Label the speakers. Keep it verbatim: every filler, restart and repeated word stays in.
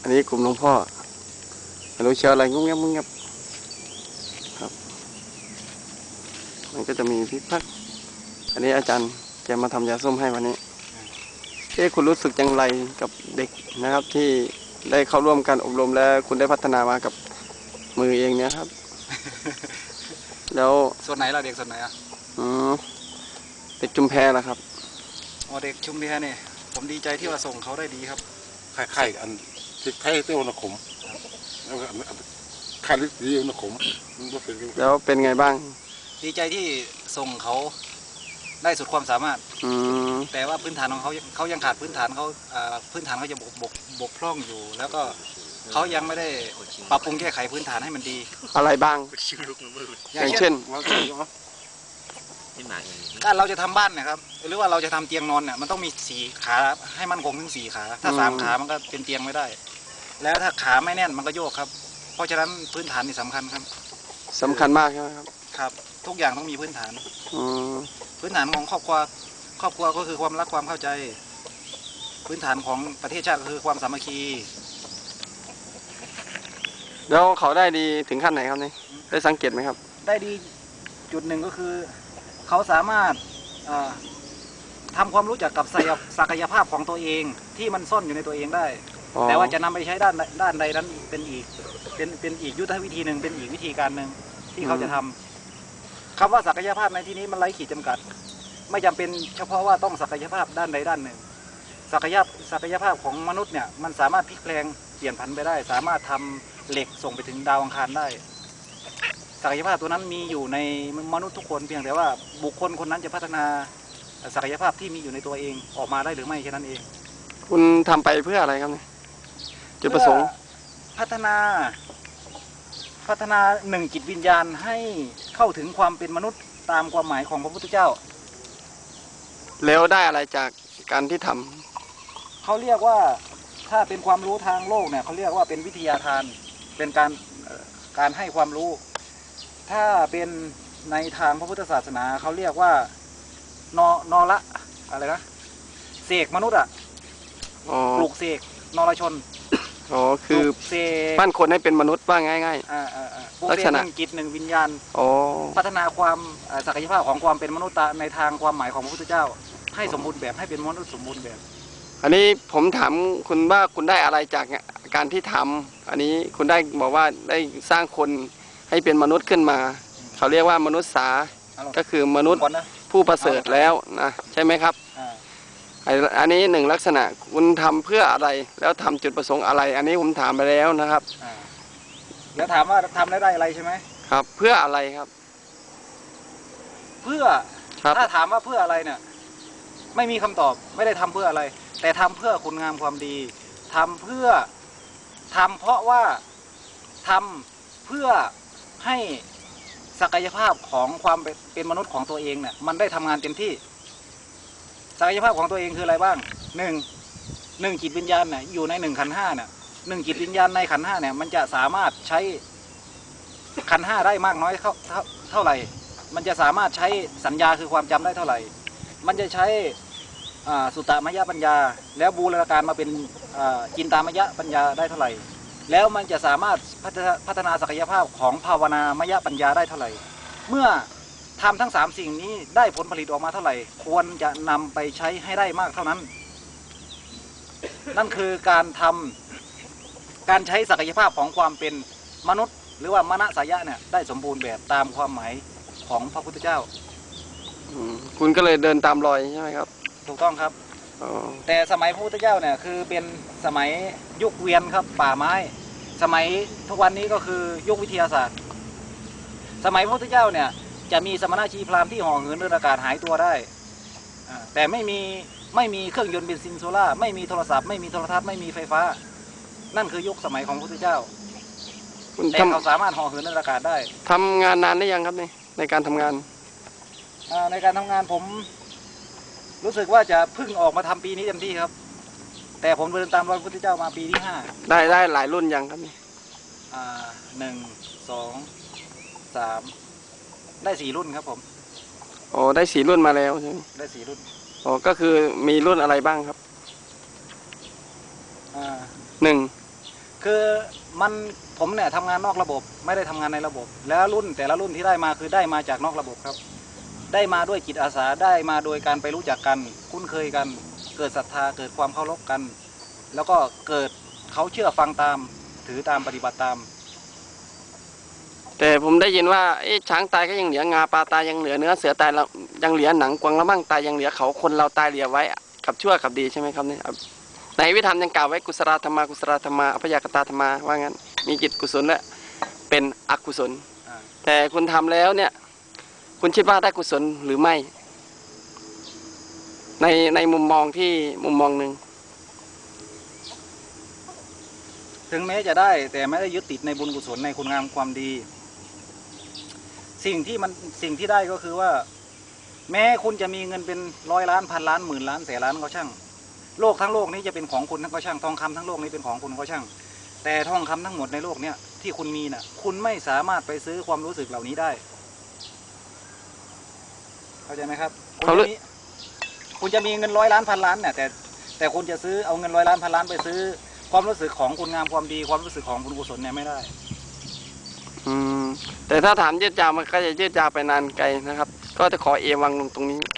Speaker 1: อันนี้กลุ่มหลวงพ่อไม่รู้เชียวอะไรงุ้งเงี้ยงุ้งเงี้ยครับมันก็จะมีพิพักอันนี้อาจารย์แกมาทำยาส้มให้วันนี้เอ๊ะคุณรู้สึกอย่างไรกับเด็กนะครับที่ได้เข้าร่วมการอบรมและคุณได้พัฒนามากับมือเองเนี่ยครับ แล้ว
Speaker 2: ส่วนไหนล่ะเด็กส่วนไหนอ่ะ
Speaker 1: อืมเด็กจุมแพล่ะครับ
Speaker 2: อ๋อเด็กชุมแพเนี่ยผมดีใจที่ว่าส่งเขาได้ดีครับ
Speaker 3: ไข่อันที่ไข่เต้าหนักขมแล้วก็ไข่ลิสีหนักขม
Speaker 1: แล้วเป็นไงบ้าง
Speaker 2: ดีใจที่ส่งเขาได้สุดความสามารถ
Speaker 1: อืม
Speaker 2: แต่ว่าพื้นฐานของเขาเขายังขาดพื้นฐานเขาพื้นฐานเขาจะบกบกบกพร่องอยู่แล้วก็เขายังไม่ได้ปรับปรุงแก้ไขพื้นฐานให้มันดี
Speaker 1: อะไรบ้างอย่างเช่น
Speaker 2: การเราจะทำบ้านนะครับหรือว่าเราจะทำเตียงนอนเนี่ยมันต้องมีสี่ขาให้มันคงถึงสี่ขาถ้าสามขามันก็เป็นเตียงไม่ได้แล้วถ้าขาไม่แน่นมันก็โยกครับเพราะฉะนั้นพื้นฐานนี่สำคัญครับ
Speaker 1: สำคัญมากใช่ไหมครับ
Speaker 2: ครับทุกอย่างต้องมีพื้นฐานพื้นฐานของครอบครัวครอบครัวก็คือความรักความเข้าใจพื้นฐานของประเทศชาติก็คือความสามัคคี
Speaker 1: แล้วเขาได้ดีถึงขั้นไหนครับนี่ได้สังเกตไหมครับ
Speaker 2: ได้ดีจุดหนึ่งก็คือเขาสามารถทำความรู้จักกับศักยภาพของตัวเองที่มันซ่อนอยู่ในตัวเองได้แต่ว่าจะนำไปใช้ด้านด้านใดนั้นเป็นอีกเป็นเป็นอีกยุทธวิธีหนึ่งเป็นอีกวิธีการหนึ่งที่เขาจะทำคำว่าศักยภาพในที่นี้มันไร้ขีดจำกัดไม่จำเป็นเฉพาะว่าต้องศักยภาพด้านใดด้านหนึ่งศักยภาพศักยภาพของมนุษย์เนี่ยมันสามารถพลิกแปลงเปลี่ยนผันไปได้สามารถทำเหล็กส่งไปถึงดาวอังคารได้ศักยภาพตัวนั้นมีอยู่ในมนุษย์ทุกคนเพียงแต่ว่าบุคคลคนนั้นจะพัฒนาศักยภาพที่มีอยู่ในตัวเองออกมาได้หรือไม่แค่นั้นเอง
Speaker 1: คุณทำไปเพื่ออะไรครับเนี่ยจุดประสงค์
Speaker 2: พัฒนาพัฒนาหนึ่งจิตวิญญาณให้เข้าถึงความเป็นมนุษย์ตามความหมายของพระพุทธเจ้า
Speaker 1: แล้วได้อะไรจากการที่ทำ
Speaker 2: เขาเรียกว่าถ้าเป็นความรู้ทางโลกเนี่ยเขาเรียกว่าเป็นวิทยาทานเป็นการการให้ความรู้ถ้าเป็นในทางพระพุทธศาสนาเขาเรียกว่านอนอละอะไรนะเสกมนุษย์อ่ะปลูกเสกนรชน
Speaker 1: อ๋อคือปั้นคนให้เป็นมนุษย์ว่าง่าย
Speaker 2: ๆลักษณะหนึ่งจิตหนึ่งวิญญาณพัฒนาความศักยภาพของความเป็นมนุษย์ในทางความหมายของพระพุทธเจ้าให้สมบูรณ์แบบให้เป็นมนุษย์สมบูรณ์แบบ
Speaker 1: อันนี้ผมถามคุณว่าคุณได้อะไรจากการที่ทำอันนี้คุณได้บอกว่าได้สร้างคนให้เป็นมนุษย์ขึ้นมาเขาเรียกว่ามนุษย์สาก็คือมนุษย์ผู้ประเสริฐแล้วนะใช่ไหมครับอันนี้หนึ่งลักษณะคุณทำเพื่ออะไรแล้วทำจุดประสงค์อะไรอันนี้ผมถามไปแล้วนะครับ
Speaker 2: แล้วถามว่าทำได้ได้อะไรใช่ไหม
Speaker 1: ครับเพื่ออะไรครับ
Speaker 2: เพื่อถ้าถามว่าเพื่ออะไรเนี่ยไม่มีคำตอบไม่ได้ทำเพื่ออะไรแต่ทำเพื่อคุณงามความดีทำเพื่อทำเพราะว่าทำเพื่อให้ศักยภาพของความเป็นมนุษย์ของตัวเองเนี่ยมันได้ทำงานเต็มที่ศักยภาพของตัวเองคืออะไรบ้างหนึ่งหนึ่งจิตวิญญาณเนี่ยอยู่ในหนึ่งขันธ์ห้าเนี่ยหนึ่งจิตวิญญาณในขันธ์ห้าเนี่ยมันจะสามารถใช้ขันธ์ห้าได้มากน้อยเท่าเท่าไหร่มันจะสามารถใช้สัญญาคือความจำได้เท่าไหร่มันจะใช้สุตตมยปัญญาแล้วบูรณาการมาเป็นจินตามยปัญญาได้เท่าไหร่แล้วมันจะสามารถพัฒนาศักยภาพของภาวนามยปัญญาได้เท่าไหร่เมื่อทำทั้งสามสิ่งนี้ได้ผลผลิตออกมาเท่าไหร่ควรจะนำไปใช้ให้ได้มากเท่านั้นนั่นคือการทำการใช้ศักยภาพของความเป็นมนุษย์หรือว่ามนสายะเนี่ยได้สมบูรณ์แบบตามความหมายของพระพุทธเจ้า
Speaker 1: คุณก็เลยเดินตามรอยใช่ไหมครับ
Speaker 2: ถูกต้องครับแต่สมัยพระพุทธเจ้าเนี่ยคือเป็นสมัยยุคเวียนครับป่าไม้สมัยทุกวันนี้ก็คือยุควิทยาศาสตร์สมัยพระพุทธเจ้าเนี่ยจะมีสมณชีพราหมณ์ที่ห่อเหินเดินอากาศหายตัวได้แต่ไม่มีไม่มีเครื่องยนต์เบนซินโซล่าไม่มีโทรศัพท์ไม่มีโทรทัศน์ไม่มีไฟฟ้านั่นคือยุคสมัยของพระพุทธเจ้าแต่เขาสามารถห่อเหินเดินอากาศได้
Speaker 1: ทำงานนานได้ยังครับนี่ในการทำงาน
Speaker 2: ในการทำงานผมรู้สึกว่าจะเพิ่งออกมาทำปีนี้เต็มที่ครับแต่ผมเดินตามรอยพระพุทธเจ้ามาปีที่ห้า
Speaker 1: ได้ได้หลายรุ่นยังครับนี่
Speaker 2: หนึ่งสองสามได้สี่รุ่นครับผม
Speaker 1: โอ้ได้สี่รุ่นมาแล้วใช่ไหม
Speaker 2: ได้สี่รุ่น
Speaker 1: โอ้ก็คือมีรุ่นอะไรบ้างครับหนึ่ง
Speaker 2: คือมันผมเนี่ยทำงานนอกระบบไม่ได้ทำงานในระบบ แล้วรุ่นแต่ละรุ่นที่ได้มาคือได้มาจากนอกระบบครับ ได้มาด้วยจิตอาสาได้มาโดยการไปรู้จักกันคุ้นเคยกัน เกิดศรัทธาเกิดความเคารพกัน แล้วก็เกิดเขาเชื่อฟังตามถือตามปฏิบัติตาม
Speaker 1: แต่ผมได้ยินว่าเอ๊ะช้างตายก็ยังเหลืองาปลาตายยังเหลือเนื้อเสือตายเรายังเหลือหนังกวางละมั่งตายยังเหลือเขาคนเราตายเหลือไว้กับชั่วกับดีใช่ไหมครับเนี่ยในวิธรรมยังกล่าวไว้กุศลธรรมากุศลธรรมาอภยากตาธรรมาว่างั้นมีจิตกุศลและเป็นอกุศล
Speaker 2: อ่า
Speaker 1: แต่คุณทำแล้วเนี่ย คุณคิดว่าได้กุศลหรือไม่ ในในมุมมองที่มุมมองหนึ่ง
Speaker 2: ถึงแม้จะได้แต่ไม่ได้ยึดติดในบุญกุศลในคุณงามความดี สิ่งที่มันสิ่งที่ได้ก็คือว่า แม้คุณจะมีเงินเป็นร้อยล้านพันล้านหมื่นล้านแสนล้านก็ช่าง โลกทั้งโลกนี้จะเป็นของคุณทั้งก็ช่างทองคำทั้งโลกนี้เป็นของคุณก็ช่าง แต่ทองคำทั้งหมดในโลกเนี้ยที่คุณมีน่ะ คุณไม่สามารถไปซื้อความรู้สึกเหล่านี้ได้เข้าใจไหมครับคุณจะมีคุณจะมีเงินร้อยล้านพันล้านเนี่ยแต่แต่คุณจะซื้อเอาเงินร้อยล้านพันล้านไปซื้อความรู้สึกของคุณงามความดีความรู้สึกของบุญกุศลเนี่ยไม่ได้
Speaker 1: อืมแต่ถ้าถามยืดยาวมันก็จะยืดยาวไปนานไกลนะครับ ก็จะขอเอวังลงตรงนี้